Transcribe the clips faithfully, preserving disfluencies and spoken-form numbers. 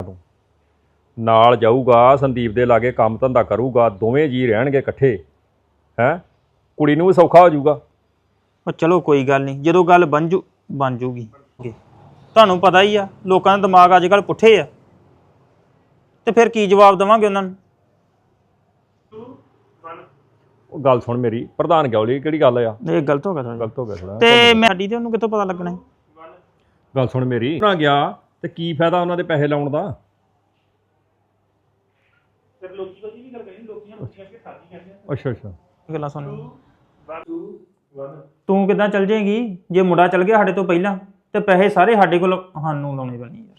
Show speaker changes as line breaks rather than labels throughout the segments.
ਨਾਲ ਜਾਊਗਾ ਸੰਦੀਪ ਦੇ ਲਾਗੇ ਕੰਮ ਧੰਦਾ ਕਰੂਗਾ ਦੋਵੇਂ ਜੀ ਰਹਿਣਗੇ ਇਕੱਠੇ ਹੈ ਕੁੜੀ ਨੂੰ ਵੀ ਸੌਖਾ ਹੋ ਜਾਊਗਾ।
ਉਹ ਚਲੋ ਕੋਈ ਗੱਲ ਨਹੀਂ ਜਦੋਂ ਗੱਲ ਬਣ ਜੂ ਬਣ ਜੂਗੀ। ਤੁਹਾਨੂੰ ਪਤਾ ਹੀ ਆ ਲੋਕਾਂ ਦੇ ਦਿਮਾਗ ਅੱਜ ਕੱਲ੍ਹ ਪੁੱਠੇ ਆ ਤੇ ਫਿਰ ਕੀ ਜਵਾਬ ਦੇਵਾਂਗੇ ਉਹਨਾਂ ਨੂੰ।
ਉਹ ਗੱਲ ਸੁਣ ਮੇਰੀ ਪ੍ਰਧਾਨ ਗੌਲੀ ਕਿਹੜੀ ਗੱਲ ਆ
ਇਹ ਗਲਤ ਹੋ ਗਿਆ ਥੋੜ੍ਹਾ।
ਗਲਤ ਹੋ ਗਿਆ ਥੋੜਾ
ਤੇ ਮੈਂ ਸਾਡੀ ਤੇ ਉਹਨੂੰ ਕਿੱਥੋਂ ਪਤਾ ਲੱਗਣਾ।
ਗੱਲ ਸੁਣ ਮੇਰੀ ਨਾ ਗਿਆ ਤੇ ਕੀ ਫਾਇਦਾ ਉਹਨਾਂ ਦੇ ਪੈਸੇ ਲਾਉਣ ਦਾ। ਅੱਛਾ ਅੱਛਾ
ਗੱਲਾਂ ਸੁਣ ਤੂੰ ਕਿੱਦਾਂ ਚੱਲ ਜਾਏਗੀ ਜੇ ਮੁੰਡਾ ਚੱਲ ਗਿਆ ਸਾਡੇ ਤੋਂ ਪਹਿਲਾਂ ਤੇ ਪੈਸੇ ਸਾਰੇ ਸਾਡੇ ਕੋਲ ਸਾਨੂੰ ਲਾਉਣੇ ਪੈਣੇ ਯਾਰ।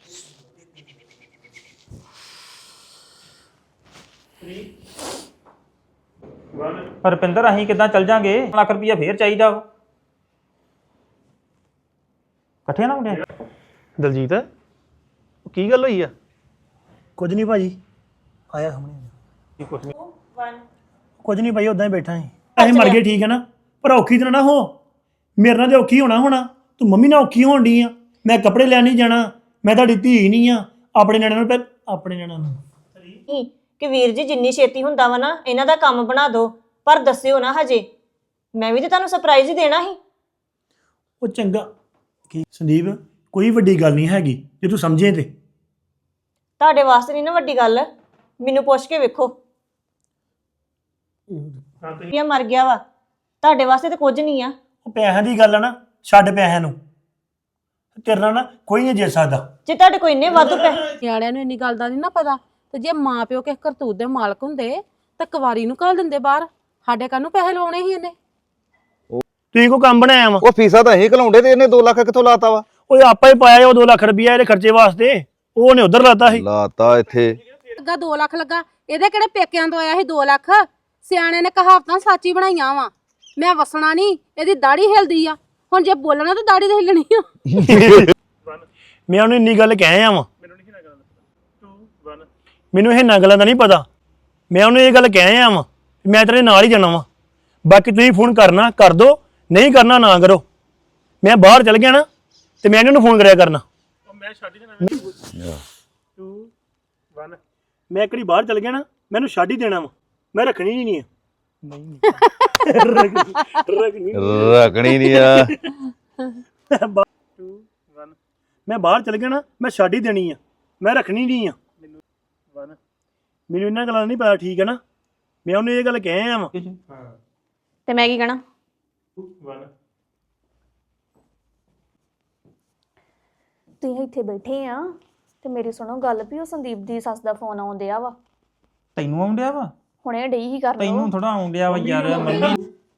ਰੁਪਿੰਦਰ ਅਸੀਂ ਕਿੱਦਾਂ ਚੱਲ ਜਾਾਂਗੇ ਲੱਖ ਰੁਪਈਆ ਫੇਰ ਚਾਹੀਦਾ ਵਾ ਇਕੱਠੇ ਨਾ ਮੁੰਡੇ।
ਦਲਜੀਤ ਕੀ ਗੱਲ ਹੋਈ ਆ? ਕੁਝ ਨਹੀਂ ਭਾਜੀ ਆਇਆ ਸਾਹਮਣੇ। ਕੁਝ ਨਹੀਂ ਭਾਈ ਉਦਾਂ ਹੀ ਬੈਠਾ ਸੀ। ਅਸੀਂ ਮਰ ਗਏ ਠੀਕ ਹੈ ਨਾ ਪਰ ਔਖੀ ਤਾਂ ਨਾ ਹੋ ਮੇਰੇ ਨਾਲ ਤੇ ਔਖੀ ਹੋਣਾ ਹੋਣਾ ਤੂੰ ਮੰਮੀ ਨਾਲ ਔਖੀ ਹੋਣ ਡਈ ਆ। ਮੈਂ ਕੱਪੜੇ ਲੈਣ ਨਹੀਂ ਜਾਣਾ ਮੈਂ ਤੁਹਾਡੀ ਧੀ ਨਹੀਂ ਆ ਆਪਣੇ ਨਿਆਣਿਆਂ ਨੂੰ ਪਹਿ- ਆਪਣੇ ਨਿਆਣਿਆਂ ਨੂੰ
ਕਿ ਵੀਰ ਜੀ ਜਿੰਨੀ ਛੇਤੀ ਹੁੰਦਾ ਵਾ ਨਾ ਇਹਨਾਂ ਦਾ ਕੰਮ ਬਣਾ ਦਿਓ ਪਰ ਦੱਸਿਓ ਨਾ ਹਜੇ ਮੈਂ ਵੀ ਤੇ ਤੁਹਾਨੂੰ ਸਰਪ੍ਰਾਈਜ਼ ਹੀ ਦੇਣਾ ਸੀ।
ਉਹ ਚੰਗਾ ਕੀ ਸੰਦੀਪ ਕੋਈ ਵੱਡੀ ਗੱਲ ਨਹੀਂ ਹੈਗੀ ਜੇ ਤੂੰ ਸਮਝੇ ਤੇ।
ਤੁਹਾਡੇ ਵਾਸਤੇ ਨਹੀਂ ਨਾ ਵੱਡੀ ਗੱਲ ਮੈਨੂੰ ਪੁੱਛ ਕੇ ਵੇਖੋ ਇਹ ਮਰ ਗਿਆ ਵਾ ਤੁਹਾਡੇ ਵਾਸਤੇ ਤੇ ਕੁਝ ਨਹੀਂ ਆ।
ਉਹ ਪੈਸਿਆਂ ਦੀ ਗੱਲ ਆ ਨਾ ਛੱਡ ਪੈਸਿਆਂ ਨੂੰ ਤੇਰੇ ਨਾਲ ਨਾ ਕੋਈ ਨਹੀਂ ਜੇ ਸਕਦਾ।
ਜੇ ਤੁਹਾਡੇ ਕੋਈ ਇੰਨੇ ਵਾਧੂ ਪੈਸੇ
ਨਿਆਣਿਆਂ ਨੂੰ ਇੰਨੀ ਗੱਲ ਦਾ ਨਹੀਂ ਨਾ ਪਤਾ ਤੇ ਜੇ ਮਾਂ ਪਿਓ ਕਿਸੇ ਕਰਤੂਤ ਦੇ ਮਾਲਕ ਹੁੰਦੇ ਤਾਂ ਕੁਵਾਰੀ ਨੂੰ ਘੱਲ ਦਿੰਦੇ ਬਾਹਰ। ਸਾਡੇ ਕਾਹਨੂੰ ਪੈਸੇ ਲਾਉਣੇ ਸੀ ਇਹਨੇ।
ਤੁਸੀਂ ਕੋ ਕੰਮ ਬਣਾਇਆ ਵਾ
ਉਹ ਫੀਸਾਂ ਤਾਂ ਅਸੀਂ ਘਲਾਉਂਦੇ ਤੇ ਇਹਨੇ ਦੋ ਲੱਖ ਕਿੱਥੋਂ ਲਾਤਾ ਵਾ?
ਓਏ ਆਪਾਂ ਹੀ ਪਾਇਆ ਉਹ ਦੋ ਲੱਖ ਰੁਪਇਆ ਇਹਦੇ ਖਰਚੇ ਵਾਸਤੇ ਉਹ ਉਹਨੇ ਉਧਰ ਲਾਤਾ ਸੀ।
ਲਾਤਾ ਇੱਥੇ
ਲੱਗਾ ਦੋ ਲੱਖ ਲੱਗਾ ਇਹਦੇ ਕਿਹੜੇ ਪੇਕਿਆਂ ਤੋਂ ਆਇਆ ਸੀ ਦੋ ਲੱਖ। ਸਿਆਣੇ ਨੇ ਕਹਾਵਤਾਂ ਸੱਚੀ ਬਣਾਈਆਂ ਵਾ। ਮੈਂ ਵਸਣਾ ਨਹੀਂ ਇਹਦੀ ਦਾੜੀ ਹਿਲਦੀ ਆ ਹੁਣ ਜੇ ਬੋਲਣਾ ਤਾਂ ਦਾੜੀ ਤੇ ਹਿੱਲਣੀ ਆ।
ਮੈਂ ਉਹਨੂੰ ਇੰਨੀ ਗੱਲ ਕਹਿ ਆਵਾਂ ਮੈਨੂੰ ਇਹਨਾਂ ਗੱਲਾਂ ਦਾ ਨਹੀਂ ਪਤਾ। ਮੈਂ ਉਹਨੂੰ ਇਹ ਗੱਲ ਕਹਿ ਆਵਾਂ ਮੈਂ ਤੇਰੇ ਨਾਲ ਹੀ ਜਾਣਾ ਵਾ ਬਾਕੀ ਤੁਸੀਂ ਫੋਨ ਕਰਨਾ ਕਰ ਦੋ ਨਹੀਂ ਕਰਨਾ ਨਾ ਕਰੋ। ਮੈਂ ਬਾਹਰ ਚਲ ਗਿਆ ਨਾ ਤੇ ਮੈਂ ਇਹਨਾਂ ਨੂੰ ਫੋਨ ਕਰਿਆ ਕਰਨਾ। ਮੈਂ ਇੱਕ ਵਾਰੀ ਬਾਹਰ ਚਲ ਗਿਆ ਨਾ ਮੈਨੂੰ ਛੱਡ ਹੀ ਦੇਣਾ ਵਾ ਮੈਂ ਰੱਖਣੀ ਹੀ ਨਹੀਂ ਹੈ।
ਰੱਖਣੀ ਨਹੀਂ ਆ।
ਮੈਂ ਬਾਹਰ ਚਲ ਗਿਆ ਨਾ ਮੈਂ ਛੱਡ ਹੀ ਦੇਣੀ ਆ ਮੈਂ ਰੱਖਣੀ ਨਹੀਂ ਆ। ਮੈਨੂੰ ਇਹਨਾਂ ਗੱਲਾਂ ਦਾ ਨਹੀਂ ਪਤਾ ਠੀਕ ਹੈ ਨਾ। ਮੈਂ ਉਹਨੂੰ ਇਹ ਗੱਲ ਕਹਿ ਆਵਾਂ
ਤੇ ਮੈਂ ਕੀ ਕਹਣਾ
ਤੁਸੀਂ ਇੱਥੇ ਬੈਠੇ ਆ ਤੇ ਮੇਰੀ ਸੁਣੋ ਗੱਲ ਵੀ ਉਹ ਸੰਦੀਪ ਦੀ ਸੱਸ ਦਾ ਫੋਨ ਆਉਂਦਿਆ ਵਾ।
ਤੈਨੂੰ ਆਉਂਦਿਆ ਵਾ?
ਹੁਣੇ ਡਈ ਹੀ ਕਰ ਲਓ।
ਤੈਨੂੰ ਥੋੜਾ ਆਉਂਦਿਆ ਵਾ ਯਾਰ ਮੰਮੀ।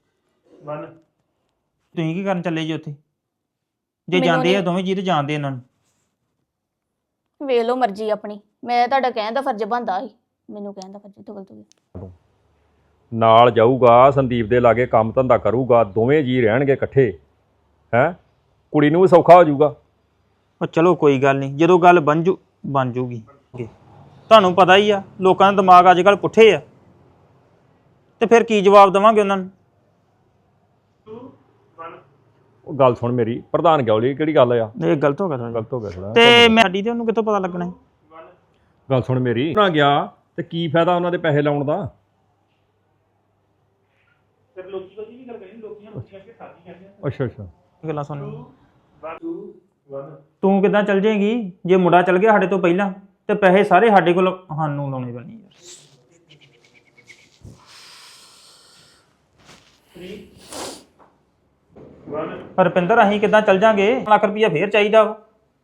ਤੁਸੀਂ ਕੀ ਕਰਨ ਚੱਲੇ ਜੀ ਉੱਥੇ? ਜੇ ਜਾਂਦੇ ਆ ਦੋਵੇਂ ਜੀ ਤੇ ਜਾਂਦੇ ਇਹਨਾਂ ਨੂੰ
ਵੇਖ ਲਓ ਮਰਜ਼ੀ ਆਪਣੀ। ਮੈਂ ਤੁਹਾਡਾ ਕਹਿਣ ਦਾ ਫਰਜ਼ ਬਣਦਾ ਸੀ ਮੈਨੂੰ ਕਹਿਣ ਦਾ ਫਰਜ਼ ਤੋਂ ਗਲਤ ਹੋ ਗਿਆ।
ਨਾਲ ਜਾਊਗਾ ਸੰਦੀਪ ਦੇ ਲਾਗੇ ਕੰਮ ਧੰਦਾ ਕਰੂਗਾ ਦੋਵੇਂ ਜੀ ਰਹਿਣਗੇ ਇਕੱਠੇ ਹੈ ਕੁੜੀ ਨੂੰ ਵੀ ਸੌਖਾ ਹੋ ਜਾਊਗਾ।
ਉਹ ਚਲੋ ਕੋਈ ਗੱਲ ਨਹੀਂ ਜਦੋਂ ਗੱਲ ਬਣ ਜੂ ਬਣ ਜੂਗੀ। ਤੁਹਾਨੂੰ ਪਤਾ ਹੀ ਆ ਲੋਕਾਂ ਦੇ ਦਿਮਾਗ ਅੱਜ ਕੱਲ੍ਹ ਪੁੱਠੇ ਆ ਤੇ ਫਿਰ ਕੀ ਜਵਾਬ ਦੇਵਾਂਗੇ ਉਹਨਾਂ ਨੂੰ।
ਉਹ ਗੱਲ ਸੁਣ ਮੇਰੀ ਪ੍ਰਧਾਨ ਗੌਲੀ ਕਿਹੜੀ ਗੱਲ ਆ
ਇਹ ਗਲਤ ਹੋ ਗਿਆ ਥੋੜ੍ਹਾ।
ਗਲਤ ਹੋ ਗਿਆ ਥੋੜਾ
ਤੇ ਮੈਂ ਸਾਡੀ ਤੇ ਉਹਨੂੰ ਕਿੱਥੋਂ ਪਤਾ ਲੱਗਣਾ।
ਗੱਲ ਸੁਣ ਮੇਰੀ ਨਾ ਗਿਆ ਤੇ ਕੀ ਫਾਇਦਾ ਉਹਨਾਂ ਦੇ ਪੈਸੇ ਲਾਉਣ ਦਾ। ਅੱਛਾ ਅੱਛਾ
ਗੱਲਾਂ ਸੁਣ ਤੂੰ ਕਿੱਦਾਂ ਚੱਲ ਜਾਏਗੀ ਜੇ ਮੁੰਡਾ ਚੱਲ ਗਿਆ ਸਾਡੇ ਤੋਂ ਪਹਿਲਾਂ ਤੇ ਪੈਸੇ ਸਾਰੇ ਸਾਡੇ ਕੋਲ ਸਾਨੂੰ ਲਾਉਣੇ ਪੈਣੇ ਯਾਰ। ਰੁਪਿੰਦਰ ਅਸੀਂ ਕਿੱਦਾਂ ਚੱਲ ਜਾਾਂਗੇ ਲੱਖ ਰੁਪਈਆ ਫੇਰ ਚਾਹੀਦਾ ਵਾ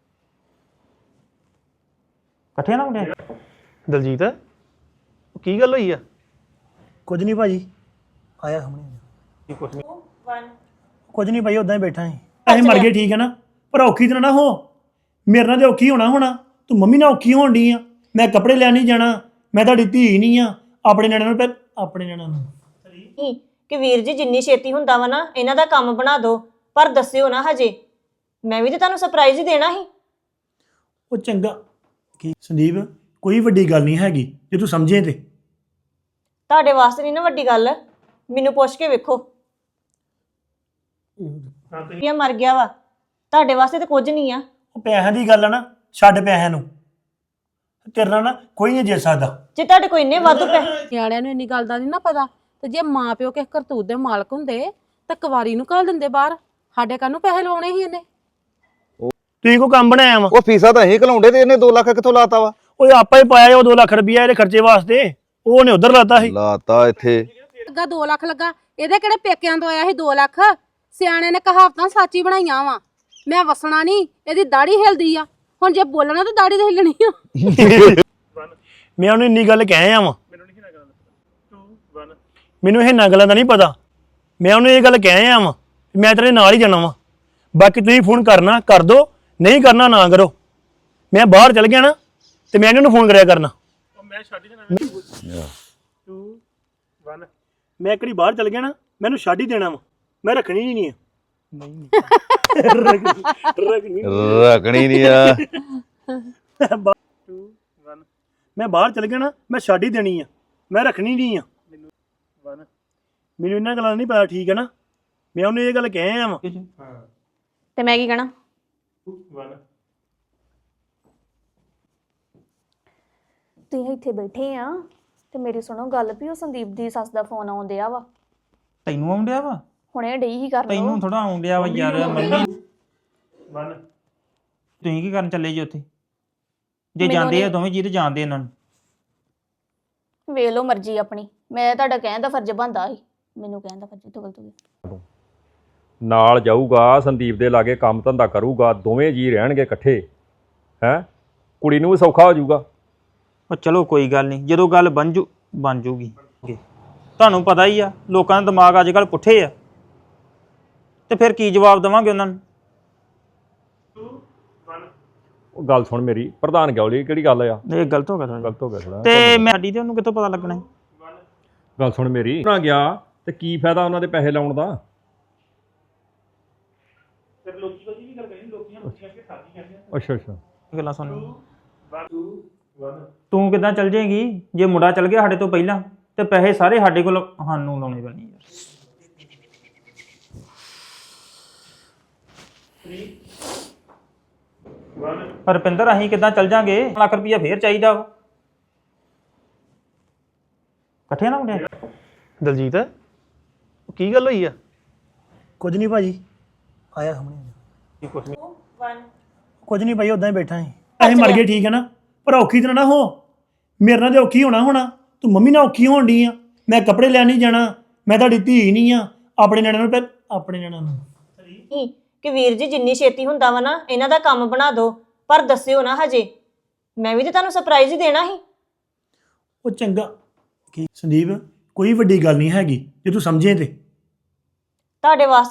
ਇਕੱਠੇ ਨਾ ਮੁੰਡੇ।
ਦਲਜੀਤ ਕੀ ਗੱਲ ਹੋਈ ਆ? ਕੁਝ ਨਹੀਂ ਭਾਜੀ ਆਇਆ ਸਾਹਮਣੇ। ਕੁਝ ਨਹੀਂ ਭਾਈ ਉਦਾਂ ਹੀ ਬੈਠਾ ਸੀ। ਅਸੀਂ ਮਰ ਗਏ ਠੀਕ ਹੈ ਨਾ ਪਰ ਔਖੀ ਤਾਂ ਨਾ ਹੋ ਮੇਰੇ ਨਾਲ ਤੇ ਔਖੀ ਹੋਣਾ ਹੋਣਾ ਤੂੰ ਮੰਮੀ ਨਾਲ ਔਖੀ ਹੋਣ ਡਈ ਆ। ਮੈਂ ਕੱਪੜੇ ਲੈਣ ਨਹੀਂ ਜਾਣਾ ਮੈਂ ਤੁਹਾਡੀ ਧੀ ਨਹੀਂ ਆ ਆਪਣੇ ਨਿਆਣਿਆਂ ਨੂੰ ਪਹਿ- ਆਪਣੇ ਨਿਆਣਿਆਂ ਨੂੰ
ਕਿ ਵੀਰ ਜੀ ਜਿੰਨੀ ਛੇਤੀ ਹੁੰਦਾ ਵਾ ਨਾ ਇਹਨਾਂ ਦਾ ਕੰਮ ਬਣਾ ਦਿਓ ਪਰ ਦੱਸਿਓ ਨਾ ਹਜੇ ਮੈਂ ਵੀ ਤੇ ਤੁਹਾਨੂੰ ਸਰਪ੍ਰਾਈਜ਼ ਹੀ ਦੇਣਾ ਸੀ।
ਉਹ ਚੰਗਾ ਕੀ ਸੰਦੀਪ ਕੋਈ ਵੱਡੀ ਗੱਲ ਨਹੀਂ ਹੈਗੀ ਜੇ ਤੂੰ ਸਮਝੇ ਤੇ।
ਤੁਹਾਡੇ ਵਾਸਤੇ ਨਹੀਂ ਨਾ ਵੱਡੀ ਗੱਲ ਮੈਨੂੰ ਪੁੱਛ ਕੇ ਵੇਖੋ ਇਹ ਮਰ ਗਿਆ ਵਾ ਤੁਹਾਡੇ ਵਾਸਤੇ ਤੇ ਕੁਝ ਨਹੀਂ ਆ।
ਉਹ ਪੈਸਿਆਂ ਦੀ ਗੱਲ ਆ ਨਾ ਛੱਡ ਪੈਸਿਆਂ ਨੂੰ ਤੇਰੇ ਨਾਲ ਨਾ ਕੋਈ ਨਹੀਂ ਜਿੱਤ ਸਕਦਾ।
ਜੇ ਤੁਹਾਡੇ ਕੋਈ ਇੰਨੇ ਵਾਧੂ ਪੈਸੇ
ਨਿਆਣਿਆਂ ਨੂੰ ਇੰਨੀ ਗੱਲ ਦਾ ਨਹੀਂ ਨਾ ਪਤਾ ਤੇ ਜੇ ਮਾਂ ਪਿਓ ਕਿਸੇ ਕਰਤੂਤ ਦੇ ਮਾਲਕ ਹੁੰਦੇ ਤਾਂ ਕੁਵਾਰੀ ਨੂੰ ਘੱਲ ਦਿੰਦੇ ਬਾਹਰ। ਸਾਡੇ ਕਾਹਨੂੰ ਪੈਸੇ ਲਾਉਣੇ ਸੀ ਇਹਨੇ।
ਤੁਸੀਂ ਕੋ ਕੰਮ ਬਣਾਇਆ ਵਾ?
ਉਹ ਫੀਸਾਂ ਤਾਂ ਅਸੀਂ ਘਲਾਉਂਦੇ ਤੇ ਇਹਨੇ ਦੋ ਲੱਖ ਕਿੱਥੋਂ ਲਾਤਾ ਵਾ?
ਓਏ ਆਪਾਂ ਹੀ ਪਾਇਆ ਉਹ ਦੋ ਲੱਖ ਰੁਪਇਆ ਇਹਦੇ ਖਰਚੇ ਵਾਸਤੇ, ਉਹ ਉਹਨੇ ਉਧਰ ਲਾਤਾ ਸੀ।
ਲਾਤਾ ਇੱਥੇ
ਲੱਗਾ ਦੋ ਲੱਖ ਲੱਗਾ, ਇਹਦੇ ਕਿਹੜੇ ਪੇਕਿਆਂ ਤੋਂ ਆਇਆ ਸੀ ਦੋ ਲੱਖ। ਸਿਆਣੇ ਨੇ ਕਹਾਵਤਾਂ ਸੱਚੀ ਬਣਾਈਆਂ ਵਾ। ਮੈਂ ਵਸਣਾ ਨਹੀਂ, ਇਹਦੀ ਦਾੜੀ ਹਿਲਦੀ ਆ। ਹੁਣ ਜੇ ਬੋਲਣਾ ਤਾਂ ਦਾੜੀ ਤੇ ਹਿੱਲਣੀ ਆ।
ਮੈਂ ਉਹਨੂੰ ਇੰਨੀ ਗੱਲ ਕਹਿ ਆਵਾਂ, ਮੈਨੂੰ ਇਹ ਨਾ ਗੱਲਾਂ ਦਾ ਨਹੀਂ ਪਤਾ। ਮੈਂ ਉਹਨੂੰ ਇਹ ਗੱਲ ਕਹਿ ਆਵਾਂ ਮੈਂ ਤੇਰੇ ਨਾਲ ਹੀ ਜਾਣਾ ਵਾ। ਬਾਕੀ ਤੁਸੀਂ ਫੋਨ ਕਰਨਾ ਕਰ ਦੋ, ਨਹੀਂ ਕਰਨਾ ਨਾ ਕਰੋ। ਮੈਂ ਬਾਹਰ ਚਲ ਗਿਆ ਨਾ ਤੇ ਮੈਂ ਇਹਨਾਂ ਨੂੰ ਫੋਨ ਕਰਿਆ ਕਰਨਾ। ਮੈਂ ਇੱਕ ਵਾਰੀ ਬਾਹਰ ਚਲ ਗਿਆ ਨਾ, ਮੈਨੂੰ ਛੱਡ ਹੀ ਦੇਣਾ ਵਾ। ਮੈਂ ਰੱਖਣੀ ਹੀ ਨਹੀਂ ਹੈ।
ਰੱਖਣੀ ਨਹੀਂ ਆ।
ਮੈਂ ਬਾਹਰ ਚਲ ਗਿਆ ਨਾ, ਮੈਂ ਛੱਡ ਹੀ ਦੇਣੀ ਆ। ਮੈਂ ਰੱਖਣੀ ਨਹੀਂ ਆ। ਮੈਨੂੰ ਇਹਨਾਂ ਗੱਲਾਂ ਦਾ ਨਹੀਂ ਪਤਾ, ਠੀਕ ਹੈ ਨਾ। ਮੈਂ ਉਹਨੂੰ ਇਹ ਗੱਲ ਕਹਿ ਆਵਾਂ।
ਤੇ ਮੈਂ ਕੀ ਕਹਿਣਾ? ਤੁਸੀਂ ਇੱਥੇ ਬੈਠੇ ਆ ਤੇ ਮੇਰੀ ਸੁਣੋ ਗੱਲ ਵੀ ਉਹ ਸੰਦੀਪ ਦੀ ਸੱਸ ਦਾ ਫੋਨ ਆਉਣ ਡਿਆ ਵਾ।
ਤੈਨੂੰ ਆਉਂਦਿਆ ਵਾ?
ਹੁਣੇ ਡਈ ਹੀ ਕਰ ਲਓ।
ਤੈਨੂੰ ਥੋੜਾ ਆਉਂਦਿਆ ਵਾ ਯਾਰ। ਮੰਮੀ ਤੁਸੀਂ ਕੀ ਕਰਨ ਚੱਲੇ ਜੀ ਉੱਥੇ? ਜੇ ਜਾਂਦੇ ਆ ਦੋਵੇਂ ਜੀ ਤੇ ਜਾਂਦੇ ਇਹਨਾਂ ਨੂੰ।
ਵੇਖ ਲਓ ਮਰਜ਼ੀ ਆਪਣੀ। ਮੈਂ ਤੁਹਾਡਾ ਕਹਿਣ ਦਾ ਫਰਜ਼ ਬਣਦਾ ਸੀ, ਮੈਨੂੰ ਕਹਿਣ ਦਾ ਫਰਜ਼ ਤੋਂ ਗਲਤ ਹੋ ਗਿਆ।
ਨਾਲ ਜਾਊਗਾ ਸੰਦੀਪ ਦੇ ਲਾਗੇ, ਕੰਮ ਧੰਦਾ ਕਰੂਗਾ, ਦੋਵੇਂ ਜੀ ਰਹਿਣਗੇ ਇਕੱਠੇ। ਹੈ ਕੁੜੀ ਨੂੰ ਵੀ ਸੌਖਾ ਹੋ ਜਾਊਗਾ।
ਉਹ ਚਲੋ ਕੋਈ ਗੱਲ ਨਹੀਂ, ਜਦੋਂ ਗੱਲ ਬਣ ਜੂ ਬਣ ਜੂਗੀ। ਤੁਹਾਨੂੰ ਪਤਾ ਹੀ ਆ ਲੋਕਾਂ ਦੇ ਦਿਮਾਗ ਅੱਜ ਕੱਲ੍ਹ ਪੁੱਠੇ ਆ, ਤੇ ਫਿਰ ਕੀ ਜਵਾਬ ਦੇਵਾਂਗੇ ਉਹਨਾਂ ਨੂੰ?
ਉਹ ਗੱਲ ਸੁਣ ਮੇਰੀ, ਪ੍ਰਧਾਨ ਗੌਲੀ ਕਿਹੜੀ ਗੱਲ ਆ?
ਇਹ ਗਲਤ ਹੋ ਗਿਆ ਥੋੜਾ।
ਗਲਤ ਹੋ ਗਿਆ ਥੋੜਾ।
ਤੇ ਮੈਂ ਸਾਡੀ ਤੇ ਉਹਨੂੰ ਕਿੱਥੋਂ ਪਤਾ ਲੱਗਣਾ ਹੈ?
ਗੱਲ ਸੁਣ ਮੇਰੀ, ਨਾ ਗਿਆ ਤੇ ਕੀ ਫਾਇਦਾ ਉਹਨਾਂ ਦੇ ਪੈਸੇ ਲਾਉਣ ਦਾ? ਅੱਛਾ ਅੱਛਾ
ਗੱਲਾਂ ਸੁਣ। ਤੂੰ ਕਿੱਦਾਂ ਚੱਲ ਜਾਏਗੀ ਜੇ ਮੁੰਡਾ ਚੱਲ ਗਿਆ ਸਾਡੇ ਤੋਂ ਪਹਿਲਾਂ? ਤੇ ਪੈਸੇ ਸਾਰੇ ਸਾਡੇ ਕੋਲ ਸਾਨੂੰ ਲਾਉਣੇ ਪੈਣੇ ਯਾਰ। ਰੁਪਿੰਦਰ ਅਸੀਂ ਕਿੱਦਾਂ ਚੱਲ ਜਾਾਂਗੇ? ਲੱਖ ਰੁਪਈਆ ਫੇਰ ਚਾਹੀਦਾ ਵਾ। ਇਕੱਠੇ ਨਾ ਮੁੰਡੇ।
ਦਲਜੀਤ, ਉਹ ਕੀ ਗੱਲ ਹੋਈ ਆ? ਕੁਝ ਨਹੀਂ ਭਾਜੀ, ਆਇਆ ਸਾਹਮਣੇ। ਕੁਝ ਨਹੀਂ ਭਾਈ, ਉਦਾਂ ਹੀ ਬੈਠਾ ਸੀ। ਅਸੀਂ ਮਰ ਗਏ, ਠੀਕ ਹੈ ਨਾ, ਪਰ ਔਖੀ ਤਰ੍ਹਾਂ ਨਾ ਹੋ। ਮੇਰੇ ਨਾਲ ਤੇ ਔਖੀ ਹੋਣਾ ਹੋਣਾ, ਤੂੰ ਮੰਮੀ ਨਾਲ ਔਖੀ ਹੋਣ ਡਈ ਆ। ਮੈਂ ਕੱਪੜੇ ਲੈਣ ਨਹੀਂ ਜਾਣਾ, ਮੈਂ ਤੁਹਾਡੀ ਧੀ ਨਹੀਂ ਆ। ਆਪਣੇ ਨਿਆਣਿਆਂ ਨੂੰ ਪਹਿ ਆਪਣੇ ਨਿਆਣਿਆਂ ਨੂੰ
ਕਿ ਵੀਰ ਜੀ ਜਿੰਨੀ ਛੇਤੀ ਹੁੰਦਾ ਵਾ ਨਾ ਇਹਨਾਂ ਦਾ ਕੰਮ ਬਣਾ ਦਿਓ, ਪਰ ਦੱਸਿਓ ਨਾ ਹਜੇ। ਮੈਂ ਵੀ ਤੇ ਤੁਹਾਨੂੰ ਸਰਪ੍ਰਾਈਜ਼ ਹੀ ਦੇਣਾ ਸੀ।
ਉਹ ਚੰਗਾ ਕੀ ਸੰਦੀਪ, ਕੋਈ ਵੱਡੀ ਗੱਲ ਨਹੀਂ ਹੈਗੀ ਜੇ ਤੂੰ ਸਮਝੇ ਤੇ।
ਤੁਹਾਡੇ ਵਾਸਤੇ